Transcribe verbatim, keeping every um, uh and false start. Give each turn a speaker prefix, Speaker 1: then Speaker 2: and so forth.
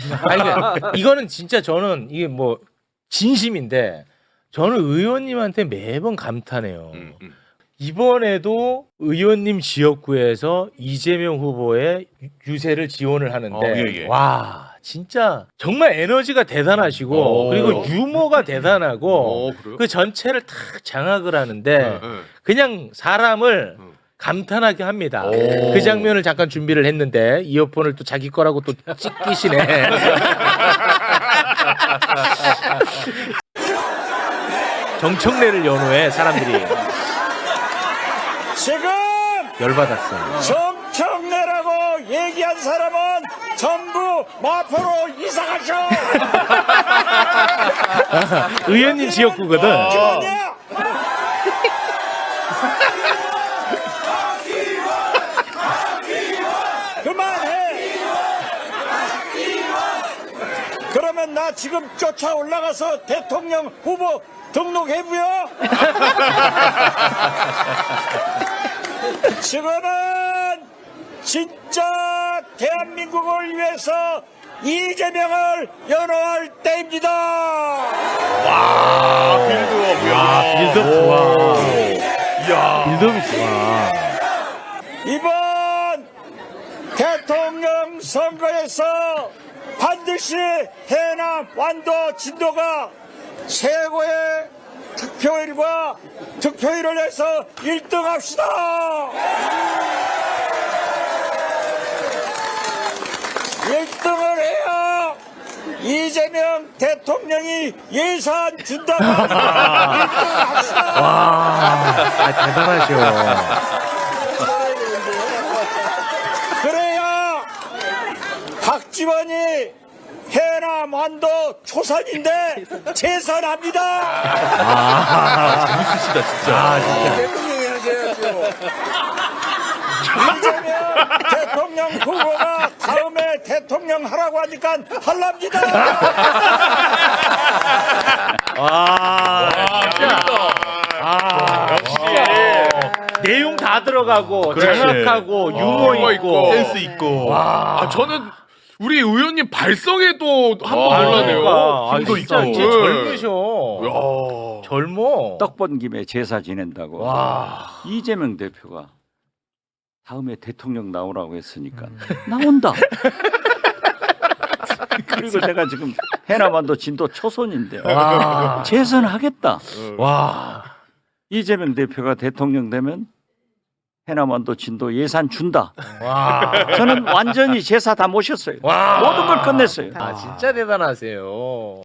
Speaker 1: 아니, 그러니까 이거는 진짜 저는 이게 뭐 진심인데 저는 의원님한테 매번 감탄해요.
Speaker 2: 음, 음.
Speaker 1: 이번에도 의원님 지역구에서 이재명 후보의 유- 유세를 지원을 하는데
Speaker 2: 어, 예, 예.
Speaker 1: 와 진짜 정말 에너지가 대단하시고
Speaker 2: 오.
Speaker 1: 그리고 유머가 대단하고
Speaker 2: 어, 그래요?
Speaker 1: 그 전체를 탁 장악을 하는데
Speaker 2: 네, 네.
Speaker 1: 그냥 사람을
Speaker 2: 음.
Speaker 1: 감탄하게 합니다.
Speaker 2: 오.
Speaker 1: 그 장면을 잠깐 준비를 했는데 이어폰을 또 자기 거라고 또 찍기시네. 정청래를 연호해 사람들이
Speaker 3: 지금
Speaker 1: 열받았어.
Speaker 3: 정청래라고 얘기한 사람은 전부 마포로 이사가죠.
Speaker 1: 의원님 지역구거든.
Speaker 3: 아니야. 그만해. 그러면 나 지금 쫓아 올라가서 대통령 후보 등록해보여. 지금은 진짜 대한민국을 위해서 이재명을 연호할 때입니다.
Speaker 2: 아, 빌드업.
Speaker 1: 아, 빌드업 좋아.
Speaker 2: 이야.
Speaker 1: 빌드업이 좋아.
Speaker 3: 이번 대통령 선거에서 반드시 해남 완도 진도가 최고의 득표율과 득표율을 해서 일 등 합시다. 일 등을 해야 이재명 대통령이 예산 준다고 합니다. 일 등 합시다.
Speaker 1: 와, 아, 대단하셔.
Speaker 3: 그래야 박지원이 해남 완도 초선인데 재선합니다.
Speaker 1: 아,
Speaker 2: 재밌으시다, 진짜.
Speaker 1: 아, 진짜.
Speaker 3: 대통령이 하셔야죠. 이재명 대통령 후보가 다음에 대통령 하라고 하니까 할랍니다.
Speaker 1: 와, 진짜. 아, 역시. 내용 다 들어가고,
Speaker 2: 그렇지.
Speaker 1: 장악하고, 유머
Speaker 2: 유머
Speaker 1: 있고.
Speaker 2: 센스 있고.
Speaker 1: 와.
Speaker 2: 아, 저는 우리 의원님 발성에도 한번
Speaker 1: 아,
Speaker 2: 놀라네요.
Speaker 1: 그러니까. 아,
Speaker 2: 힘도
Speaker 1: 진짜,
Speaker 2: 있고.
Speaker 1: 진짜 젊으셔.
Speaker 2: 야.
Speaker 1: 젊어.
Speaker 4: 떡 번 김에 제사 지낸다고.
Speaker 1: 와.
Speaker 4: 이재명 대표가 다음에 대통령 나오라고 했으니까
Speaker 1: 음.
Speaker 4: 나온다. 그리고 내가 지금 해남완도 진도 초선인데
Speaker 1: 와.
Speaker 4: 재선하겠다.
Speaker 1: 와.
Speaker 4: 이재명 대표가 대통령 되면 해남완도 진도 예산 준다.
Speaker 1: 와.
Speaker 4: 저는 완전히 제사 다 모셨어요.
Speaker 1: 와.
Speaker 4: 모든 걸 끝냈어요.
Speaker 1: 아, 진짜 대단하세요.